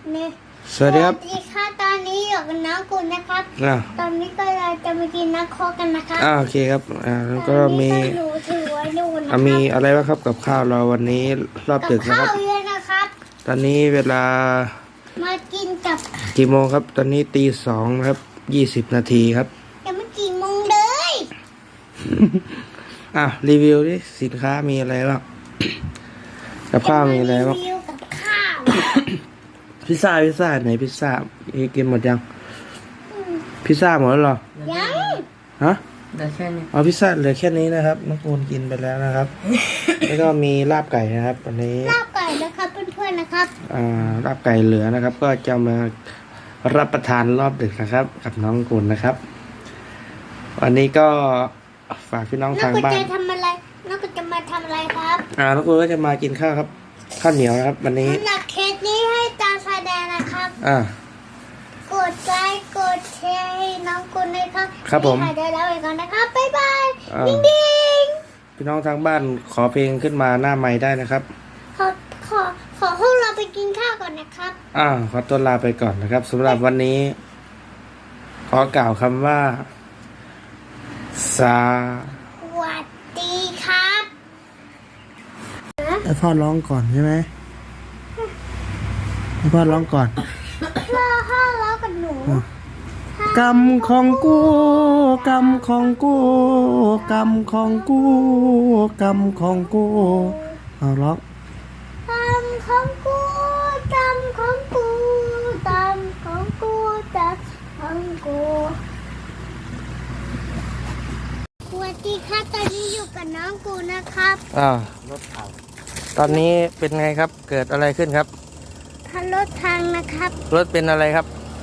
เนี่ยสวัสดีครับสวัสดีค่ะตอนนี้อยู่กับน้องกุลนะครับตอนนี้ก็เราจะมากินน้ำโคกกันนะครับโอเคครับแล้วก็มีหนูถือไว้ดูนะครับมีอะไรบ้างครับกับข้าวเราวันนี้รอบดึกนะคข้ารับวเยอะนะครับตอนนี้เวลามากินกับกี่โมงครับตอนนี้ตี 2นะครับ20 นาทีครับยังไม่กี่โมงเลยรีวิวดิสินค้ามีอะไรบ้างกับข้าวมีอะไรบ้างรีวิวกับข้าวพิซซ่าไหนพิซซ่ากินหมดยังพิซซ่าหมดแล้วเหรอยังฮะเดี๋ยวแค่นี้เอาพิซซ่าเหลือแค่นี้นะครับน้องปูนกินไปแล้วนะครับ แล้วก็มีลาบไก่นะครับวันนี้ลาบไก่นะครับเพื่อนๆนะครับลาบไก่เหลือนะครับ ก็จะมารับประทานรอบดึกนะครับ กับน้องกุลนะครับ วันนี้ก็ฝากพี่น้องน้องทางกุลบ้านจะทำอะไรน้องกุลจะมาทำอะไรครับน้องกุลก็จะมากินข้าวครับข้าวเหนียวนะครับ วันนี้สำหรับเคสนี้ให้ตาแสดงนะครับ กดไลค์กดแชร์ให้น้องกุลเลยครับครับผมนี่ค่ะเดี๋ยวเราไปก่อนนะครับบ๊ายบายอ่าดิ้งดิ้งพี่น้องทางบ้านขอเพลงขึ้นมาหน้าไม้ได้นะครับขอพวกเราไปกินข้าวก่อนนะครับขอตัวลาไปก่อนนะครับสำหรับวันนี้ ขอกล่าวคำว่าสวัสดีครับให้พ่อร้องก่อนใช่ไหมให้พ่อร้องก่อนพ่อแล้วกับหนูกรรมของกูกรรมของกูกรรมของกูกรรมของกูเอาร้องตามของกูตามของกูตามของกูตามของกูสวัสดีครับตอนนี้อยู่กับน้องกูนะครับรถผ่านตอนนี้เป็นไงครับเกิดอะไรขึ้นครับทันรถทางนะครับรถเป็นอะไรครับ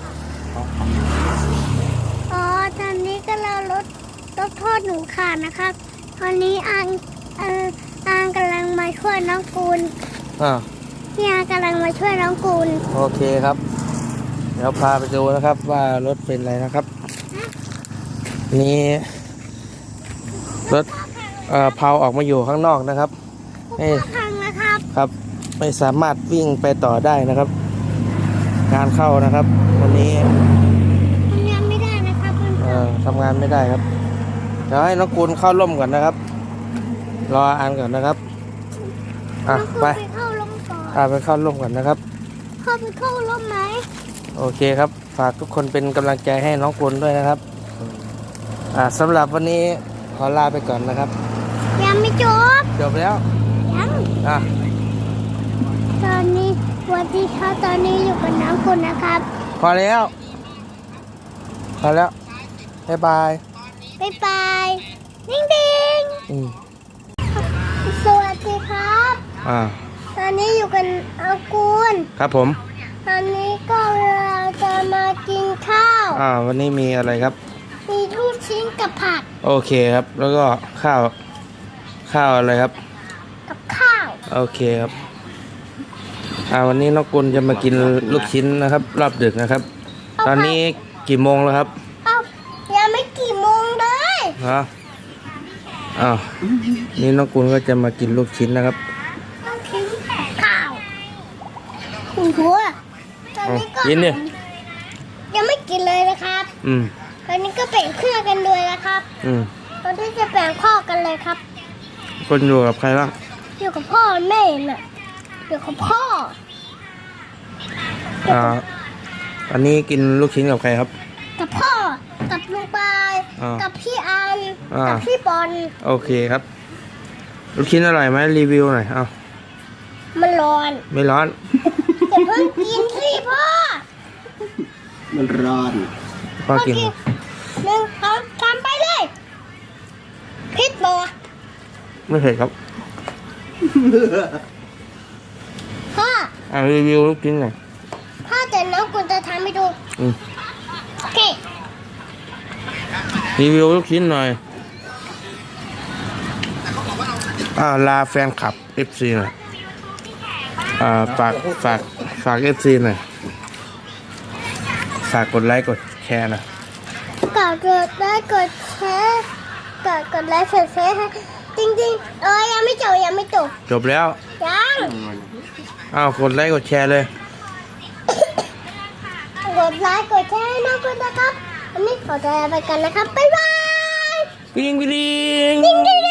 อ๋อตอนนี้ก็เรารถโทษหนูขาดนะครับ ตอนนี้อางกำลังมาช่วยน้องกูล พี่อากำลังมาช่วยน้องกูลโอเคครับ เดี๋ยวพาไปดูนะครับว่ารถเป็นอะไรนะครับ นี่รถเผาออกมาอยู่ข้างนอกนะครับพังนะครับครับไม่สามารถวิ่งไปต่อได้นะครับ งานเข้านะครับ วันนี้ทำงานไม่ได้นะครับเพื่อนทำงานไม่ได้ครับเดี๋ยวให้น้องกุลเข้าร่มก่อนนะครับ รออ่านก่อนนะครับๆน้องกูลไปไปเข้าร่มก่อนไปเข้าร่มก่อนนะครับเข้าไปเข้าร่มไหมโอเคครับ ฝากทุกคนเป็นกำลังใจให้น้องกุลด้วยนะครับสำหรับวันนี้ขอลาไปก่อนนะครับยังไม่จบจบแล้วยังอ่ะตอนนี้สวัสดีครับตอนนี้อยู่กับน้องกูลนะครับพอแล้วบ๊ายบายบ๊ายบายดิ้งดิ้งสวัสดีครับ ตอนนี้อยู่กับน้องกูลครับผมตอนนี้ก็เราจะมากินข้าววันนี้มีอะไรครับมีลูกชิ้นกับผักโอเคครับ แล้วก็ข้าวอะไรครับกับข้าวโอเคครับวันนี้น้องกุลจะมากินลูกชิ้นนะครับ รอบดึกนะครับ ตอนนี้กี่โมงแล้วครับยังไม่กี่โมงเลยนี่น้องกุลก็จะมากินลูกชิ้นนะครับลูกชิ้นข้าวคุณครูตอนนี้ก็กินเนี่ยยังไม่กินเลยนะครับ ตอนนี้ก็แบ่งเครื่องกันเลยนะครับ ตอนนี้จะแบ่งข้อกันเลยครับคนอยู่กับใครบ้างอยู่กับพ่อแม่น่ะอยู่กับพ่ออันนี้กินลูกชิ้นกับใครครับกับพ่อ กับลุงปาย กับพี่อัน กับพี่บอลโอเคครับ ลูกชิ้นอร่อยไหมรีวิวหน่อยมันร้อนไม่ร้อนอย่าเพิ่งกินสิพ่อมันร้อนพ่อกินหนึ่งสองสามไปเลยพิษบอไม่เผ็ดครับพ่อรีวิวลูกชิ้นหน่อยพ่อแต่น้องกุลจะทำให้ดูโอเครีวิวลูกชิ้นหน่อยลาแฟนคลับ FC หน่อยฝาก FC หน่อยฝากกดไลค์กดแชร์หน่อยกดไลค์กดแชร์กดไลค์กดแชร์ให้จริงๆยังไม่จบจบแล้วยังกดไลค์กดแชร์เลยดไลค์กดแชร์ให้น้องคุณนะครับวันนี้ขอตัวลาไปกันนะครับบ๊ายบายปิงปิงดิ้งดิ้ง